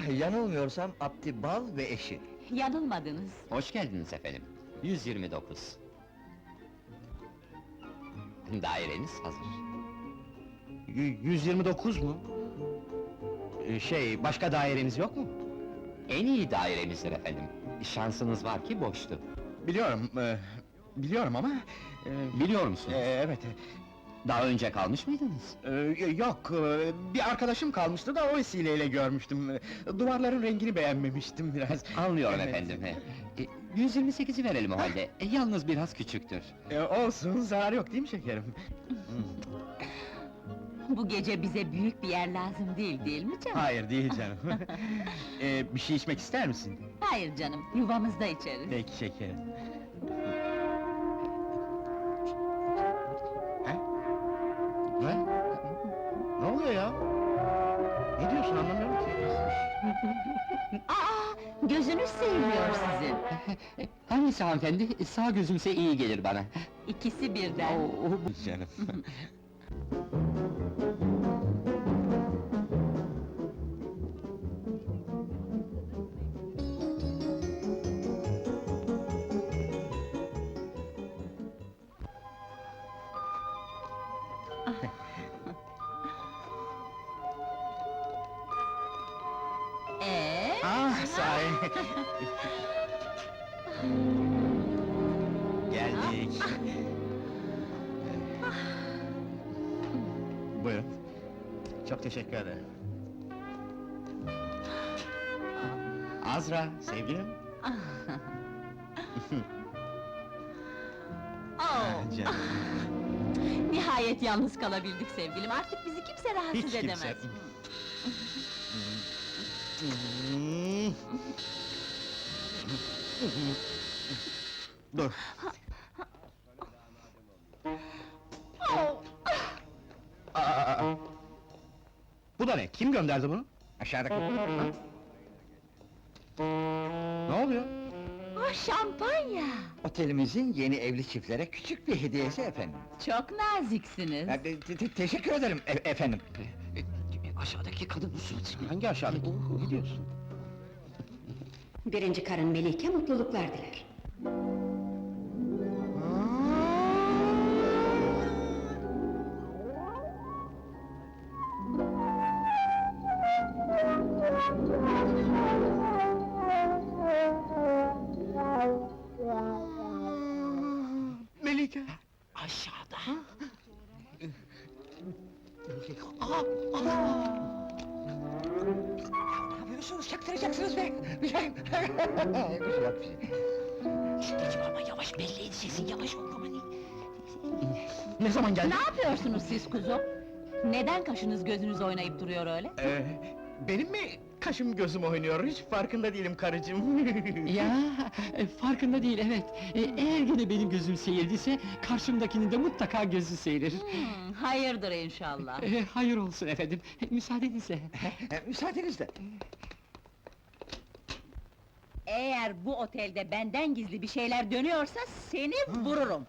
Yanılmıyorsam Abdi Bal ve eşi. Yanılmadınız. Hoş geldiniz efendim. 129. Daireniz hazır. 129 mu? Başka daireniz yok mu? En iyi dairemizdir efendim. Şansınız var ki boştu. Biliyorum ama... Biliyor musunuz? Evet. Daha önce kalmış mıydınız? Yok, bir arkadaşım kalmıştı da o vesileyle görmüştüm. Duvarların rengini beğenmemiştim biraz. Anlıyorum Evet. efendim. 128'i verelim o halde. Yalnız biraz küçüktür. Olsun, zarar yok değil mi şekerim? Bu gece bize büyük bir yer lazım değil mi canım? Hayır, değil canım. Bir şey içmek ister misin? Hayır canım, yuvamızda içeriz. Peki şekerim. Ne? Ne oluyor ya? Ne diyorsun anlamıyorum ki. Gözünüz sevmiyor sizin. Hangisi hanımefendi? Sağ gözümse iyi gelir bana. İkisi birden. Canım. Sahi. Geldik. Buyurun. Çok teşekkür ederim. Azra, sevgilim. Canım. Nihayet yalnız kalabildik sevgilim, artık bizi kimse rahatsız Hiç edemez. kimse. Dur. Bu da ne? Kim gönderdi bunu? Aşağıdaki... Ne oluyor? Şampanya! Otelimizin yeni evli çiftlere küçük bir hediyesi efendim. Çok naziksiniz. Teşekkür ederim efendim. Aşağıdaki kadın musunuz? Hangi aşağıdaki? Ne diyorsun? Birinci karın Melike mutluluklar diler. Melike! Aşağıda. Ne yapıyorsunuz? Çaktıracaksınız be! Bir şey... bir şey yok, bir şey. Geçme ama yavaş, belli et sesin, yavaş ol aman. Ne zaman geldi? Ne yapıyorsunuz siz kuzum? Neden kaşınız gözünüz oynayıp duruyor öyle? Benim mi kaşım gözüm oynuyor? Hiç farkında değilim karıcığım. Ya, farkında değil evet. Eğer gene benim gözüm seyirldiyse, karşımdakinin de mutlaka gözü seyrir. Hayırdır inşallah. Hayır olsun efendim, müsaadenizle. Müsaadenizle. Eğer bu otelde benden gizli bir şeyler dönüyorsa seni vururum.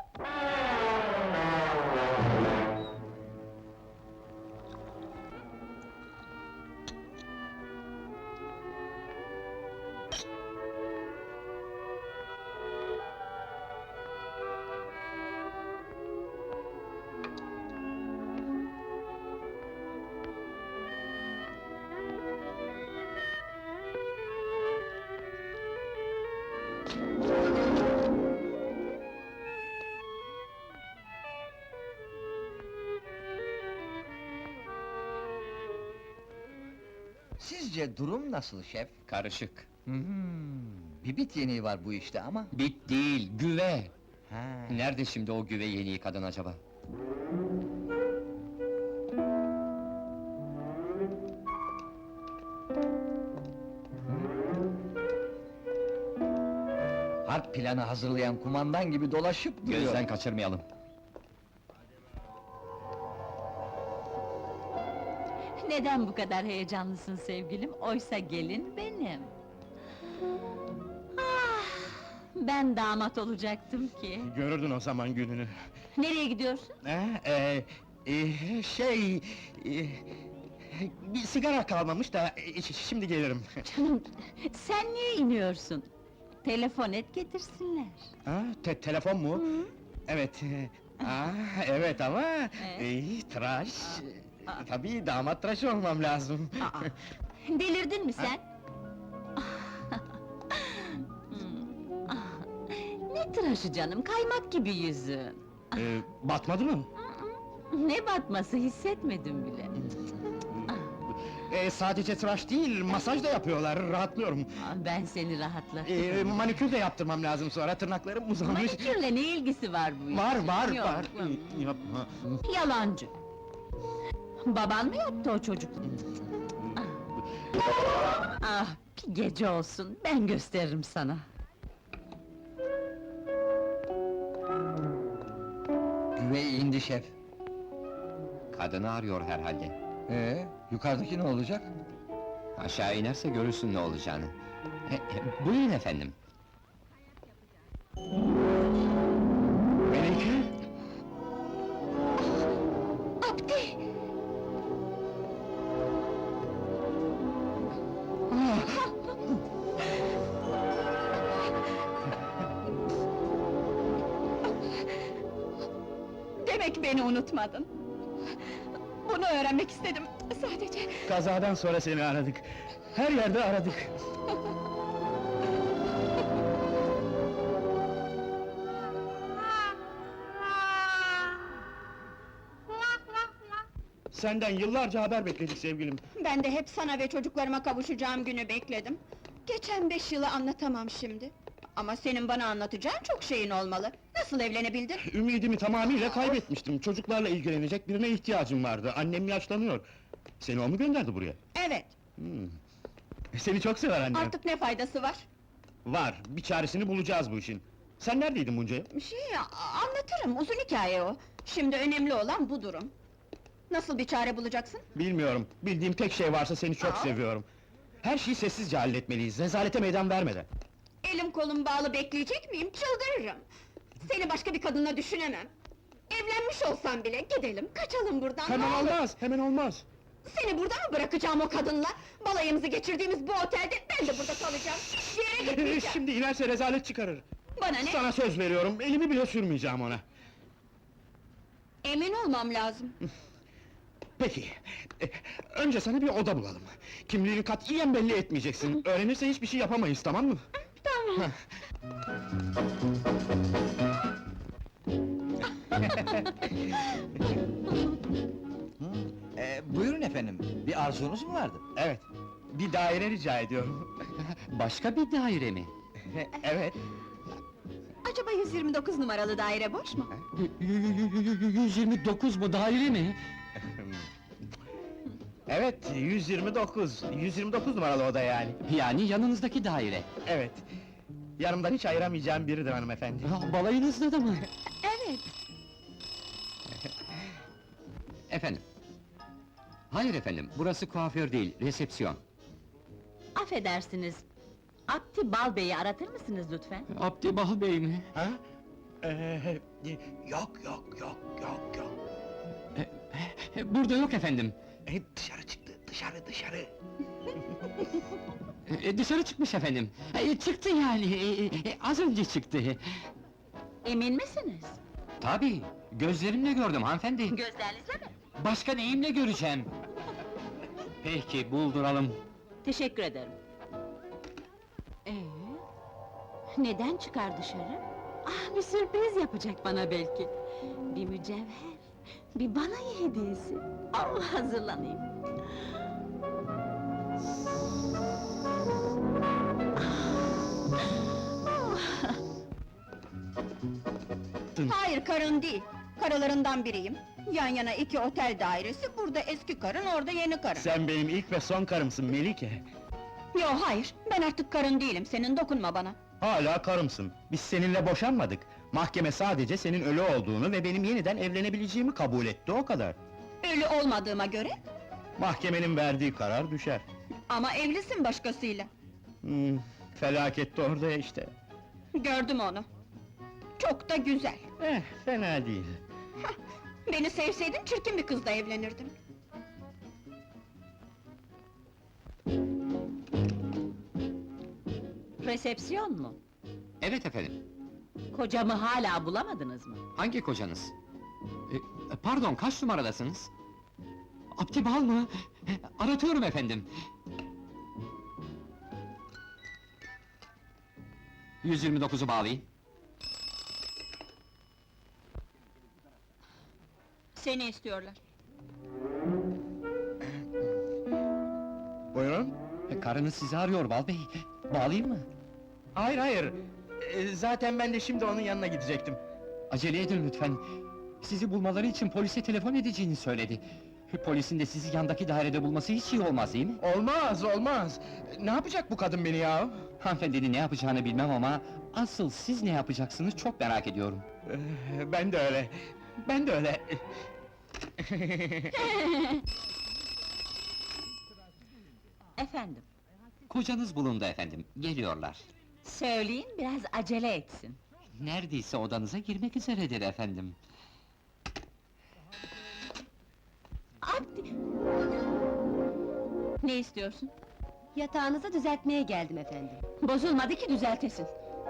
Sizce durum nasıl şef? Karışık. Bir bit yeniği var bu işte ama... Bit değil, güve! Ha. Nerede şimdi o güve yeniği kadın acaba? Harp planı hazırlayan kumandan gibi dolaşıp duruyor. Gözden kaçırmayalım. Neden bu kadar heyecanlısın sevgilim? Oysa gelin benim. Ben damat olacaktım ki. Görürdün o zaman gününü. Nereye gidiyorsun? Şey... Bir sigara kalmamış da, şimdi gelirim. Canım, sen niye iniyorsun? Telefon et getirsinler. Ha, telefon mu? Evet. Evet ama... tıraş... Tabii damat tıraşı olmam lazım. Aa, delirdin mi sen? Ne tıraşı canım, kaymak gibi yüzün. Batmadı mı? Ne batması, hissetmedim bile. Sadece tıraş değil, masaj da yapıyorlar, rahatlıyorum. Ben seni rahatlatırım. Manikür de yaptırmam lazım sonra, tırnaklarım uzamış. Manikürle ne ilgisi var bu işin? Var, Yok. var. Yapma. Yalancı! Baban mı yaptı o çocukluğu? Ah, bir gece olsun, ben gösteririm sana. Güvey indi şef. Kadını arıyor herhalde. Yukarıdaki ne olacak? Aşağı inerse görürsün ne olacağını. Buyurun efendim. Melike! Abdi! Demek beni unutmadın. Bunu öğrenmek istedim, sadece. Kazadan sonra seni aradık. Her yerde aradık. Senden yıllarca haber bekledik sevgilim. Ben de hep sana ve çocuklarıma kavuşacağım günü bekledim. Geçen 5 yılı anlatamam şimdi. Ama senin bana anlatacağın çok şeyin olmalı. Nasıl evlenebildin? Ümidimi tamamıyla kaybetmiştim. Çocuklarla ilgilenecek birine ihtiyacım vardı. Annem yaşlanıyor. Seni o mu gönderdi buraya? Evet, Seni çok sever annem. artık ne faydası var? Var, bir çaresini bulacağız bu işin. Sen neredeydin bunca yıl? Anlatırım, uzun hikaye o. Şimdi önemli olan bu durum. Nasıl bir çare bulacaksın? Bilmiyorum, bildiğim tek şey varsa seni çok Aa. seviyorum. Her şeyi sessizce halletmeliyiz, rezalete meydan vermeden. Elim kolum bağlı bekleyecek miyim? Çıldırırım! Seni başka bir kadınla düşünemem. Evlenmiş olsam bile gidelim, kaçalım buradan, Hemen ne olur! olmaz, hemen olmaz! Seni burada mı bırakacağım o kadınla? Balayımızı geçirdiğimiz bu otelde ben de burada kalacağım! Hiçbir yere gitmeyeceğim! Şimdi inerse rezalet çıkarır. Bana ne? Sana söz veriyorum, elimi bile sürmeyeceğim ona. Emin olmam lazım. Peki, önce sana bir oda bulalım. Kimliğini katiyen belli etmeyeceksin. Öğrenirse hiçbir şey yapamayız, tamam mı? Tamam. Buyurun efendim, bir arzunuz mu vardı? Evet, bir daire rica ediyorum. Başka bir daire mi? Evet. Acaba 129 numaralı daire boş mu? 129 mu daire mi? Evet, 129 numaralı oda yani. Yani yanınızdaki daire. Evet. Yanımdan hiç ayıramayacağım biridir hanımefendi. Balayınızda da mı? Evet. Efendim. Hayır efendim, burası kuaför değil, resepsiyon. Affedersiniz, Abdi Balbey'i aratır mısınız lütfen? Abdi Bal Bey mi? Ha? Yok. Burada yok efendim. Dışarı çıktı, dışarı. Dışarı çıkmış efendim. Çıktı yani, az önce çıktı. Emin misiniz? Tabii, gözlerimle gördüm hanımefendi. Gözlerinizle mi? Başka neyimle göreceğim? Peki, bulduralım. Teşekkür ederim. Neden çıkar dışarı? Ah, bir sürpriz yapacak bana belki. Bir mücevher, bir balayı hediyesi. Al, hazırlanayım. Hayır, karın değil. Karılarından biriyim. Yan yana 2 otel dairesi, burada eski karın, orada yeni karın. Sen benim ilk ve son karımsın Melike. Yo hayır, ben artık karın değilim, senin dokunma bana. Hala karımsın. Biz seninle boşanmadık. Mahkeme sadece senin ölü olduğunu ve benim yeniden evlenebileceğimi kabul etti, o kadar. Ölü olmadığıma göre, Mahkemenin verdiği karar düşer. ama evlisin başkasıyla. Felaket de orada işte. Gördüm onu. Çok da güzel. Fena değil. Beni sevseydin çirkin bir kızla evlenirdin. Resepsiyon mu? Evet efendim. Kocamı hala bulamadınız mı? Hangi kocanız? Pardon, kaç numaradasınız? Abdi Bal mı? Aratıyorum efendim. 129'u bağlayın. Seni istiyorlar. Buyurun. Karınız sizi arıyor Bal Bey. Bağlayayım mı? Hayır hayır. Zaten ben de şimdi onun yanına gidecektim. Acele edin lütfen. Sizi bulmaları için polise telefon edeceğini söyledi. Polisin de sizi yandaki dairede bulması hiç iyi olmaz değil mi? Olmaz olmaz. Ne yapacak bu kadın beni ya? Hanımefendinin ne yapacağını bilmem ama... ...asıl siz ne yapacaksınız çok merak ediyorum. Ben de öyle. Ben de öyle. Efendim, Kocanız bulundu efendim, geliyorlar. söyleyin biraz acele etsin. Neredeyse odanıza girmek üzeredir efendim. Abdi! Ne istiyorsun? Yatağınızı düzeltmeye geldim efendim. Bozulmadı ki düzeltesin.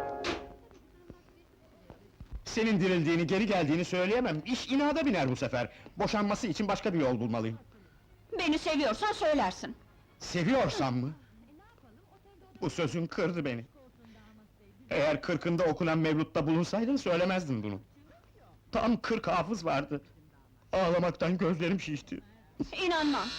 Senin dirildiğini, geri geldiğini söyleyemem. İş inada biner bu sefer. Boşanması için başka bir yol bulmalıyım. Beni seviyorsan söylersin. Seviyorsam mı? Bu sözün kırdı beni. Eğer 40'ında okunan mevlutta bulunsaydın söylemezdin bunu. Tam 40 hafız vardı. Ağlamaktan gözlerim şişti. İnanmam.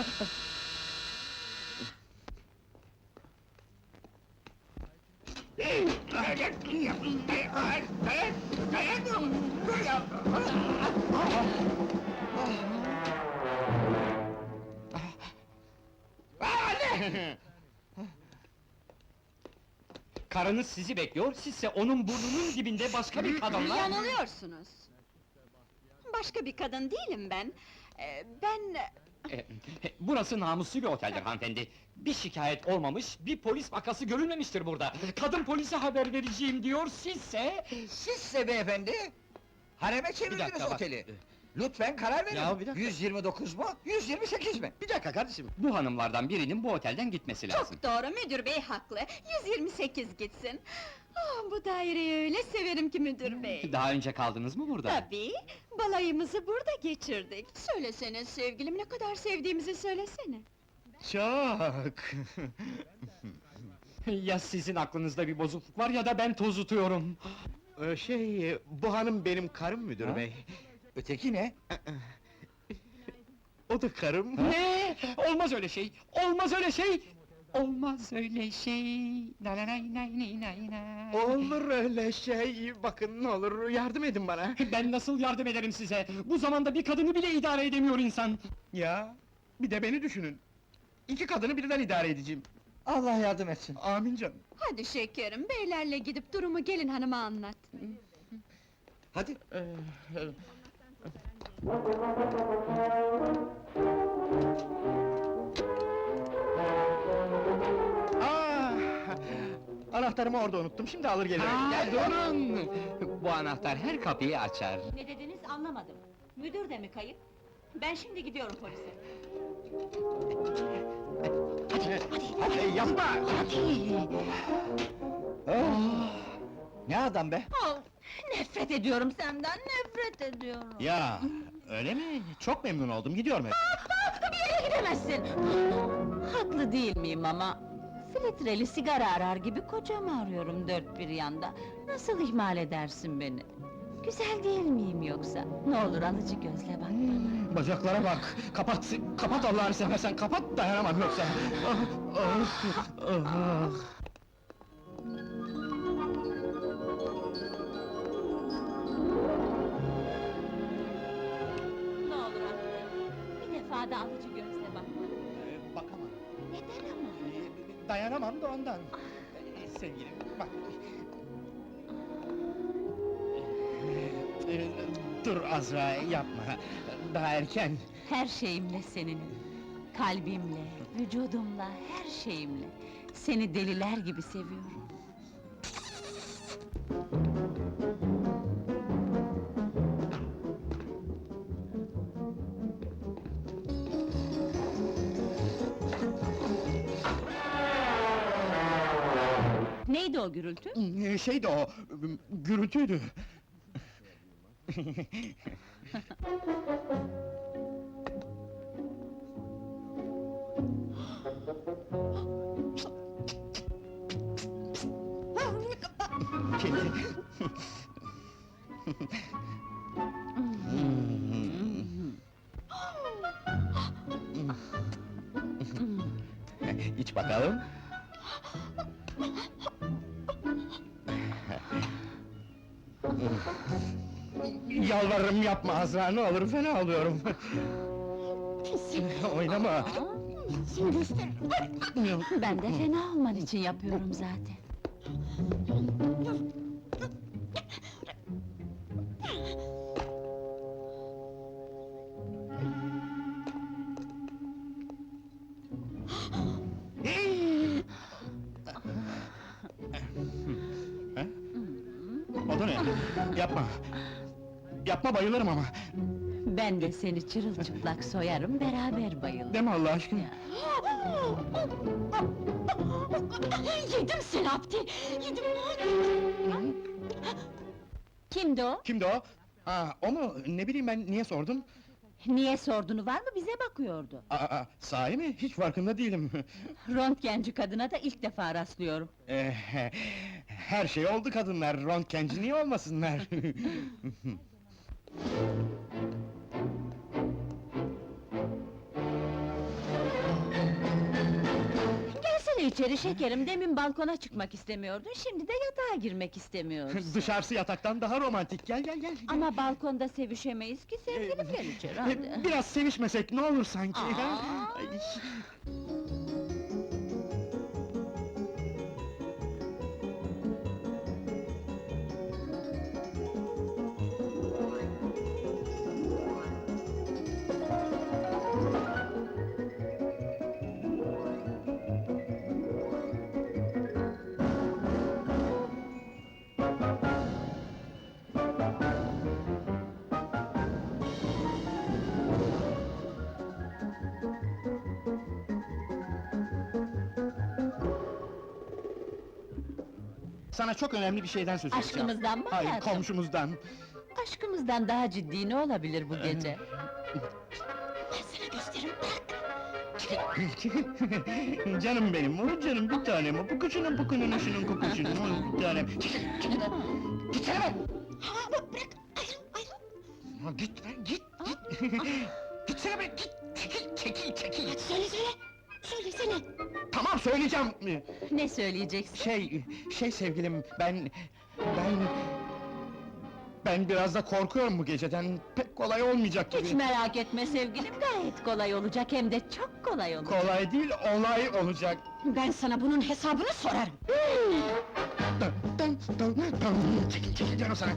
Karınız sizi bekliyor, sizse onun burnunun dibinde başka bir kadınla... Yanılıyorsunuz. Başka bir kadın değilim ben. Ben... Burası namuslu bir oteldir hanımefendi. Bir şikayet olmamış, bir polis vakası görülmemiştir burada. Kadın polise haber vereceğim diyor, sizse... Sizse beyefendi, hareme çevirdiniz dakika, bak. oteli. Lütfen karar verin. Ya, bir dakika. 129 mu, 128 mi? Bir dakika kardeşim. Bu hanımlardan birinin bu otelden gitmesi lazım. Çok doğru, müdür bey haklı. 128 gitsin. Ah, bu daireyi öyle severim ki müdür bey. Daha önce kaldınız mı burada? Tabii, balayımızı burada geçirdik. Söylesene sevgilim, ne kadar sevdiğimizi söylesene. Çok. Ya sizin aklınızda bir bozukluk var ya da ben tozutuyorum. Bu hanım benim karım müdür Ha? bey. Öteki ne? O da karım. Ne? Olmaz öyle şey! Olmaz öyle şey! Olmaz öyle şey. Na na nay nay nay nay nay. Olur öyle şey, bakın ne olur yardım edin bana. Ben nasıl yardım ederim size? Bu zamanda bir kadını bile idare edemiyor insan! Ya, bir de beni düşünün. 2 kadını birden idare edeceğim. Allah yardım etsin. Amin canım. Hadi şekerim, beylerle gidip durumu gelin hanıma anlat. Hadi. Ah! Anahtarımı orada unuttum, şimdi alır gelirim. Durun! Bu anahtar her kapıyı açar. Ne dediniz anlamadım. Müdür de mi kayıp? Ben şimdi gidiyorum polise. Hadi yapma! Ne adam be? Oh, nefret ediyorum senden, nefret ediyorum. Ya, öyle mi? Çok memnun oldum, gidiyorum hep. Bir yere gidemezsin! Haklı değil miyim ama? Filtreli sigara arar gibi kocamı arıyorum dört bir yanda. Nasıl ihmal edersin beni? Güzel değil miyim yoksa? Ne olur alıcı gözle bak bana. Bacaklara bak! Kapat, kapat Allah'ını seversen, kapat, dayanamam yoksa! Ah, ah, ah. Ne olur affet. Bir defa da alıcı gözle bak bana. Bakamam. Neden ama? Dayanamam da ondan. Sevgilim, bak. Dur Azra, yapma. Daha erken. Her şeyimle seninim. Kalbimle, vücudumla, her şeyimle. Seni deliler gibi seviyorum. Neydi o gürültü? Şeydi o, gürültüydü. Kedi. İç bakalım. Yalvarırım yapma Azra, ne olur fena oluyorum. Oynama. Ben de fena olman için yapıyorum zaten. O da ne? Yapma. Yapma, bayılırım ama. Ben de seni çırılçıplak soyarım, beraber bayılırız. Deme Allah aşkına. Yedim seni Abdi! Yedim! Kimdi o? Kimdi o? Ha, o mu? Ne bileyim ben, niye sordum? Niye sorduğunu var mı, bize bakıyordu. Sahi mi? Hiç farkında değilim. Röntgenci kadına da ilk defa rastlıyorum. Her şey oldu kadınlar, röntgenci niye olmasınlar? Gelsene içeri şekerim, demin balkona çıkmak istemiyordun, şimdi de yatağa girmek istemiyorsun. Dışarısı yataktan daha romantik, gel gel gel! Ama balkonda sevişemeyiz ki, sevgilim gel içeri hadi. Biraz sevişmesek ne olur sanki? Aa! Ay. Sana çok önemli bir şeyden söz edeceğim. Aşkımızdan mı Hayır, hayatım? komşumuzdan. Aşkımızdan daha ciddi ne olabilir bu gece? Canım benim, o canım bir tanem, o pukuşunun pukunun şunun kukuşunun, o bir tanem. Gitsene be! Ha, git be, git! Gitsene be, git! Çekil! Söylesene! Tamam, söyleyeceğim! Ne söyleyeceksin? Şey sevgilim, ben biraz da korkuyorum bu geceden, pek kolay olmayacak gibi. Hiç merak etme sevgilim, gayet kolay olacak, hem de çok kolay olacak. Kolay değil, olay olacak. Ben sana bunun hesabını sorarım! Çekil canım sana!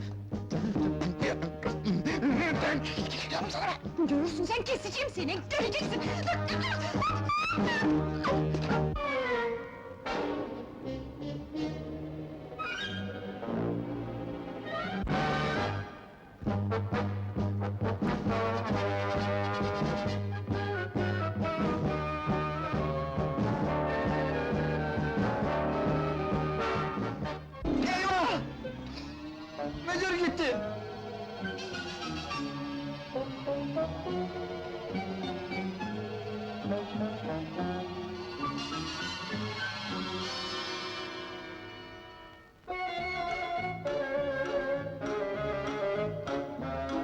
Çekil canım sana! Görürsün sen, keseceğim seni, göreceksin! Eyvah! Müdür gitti!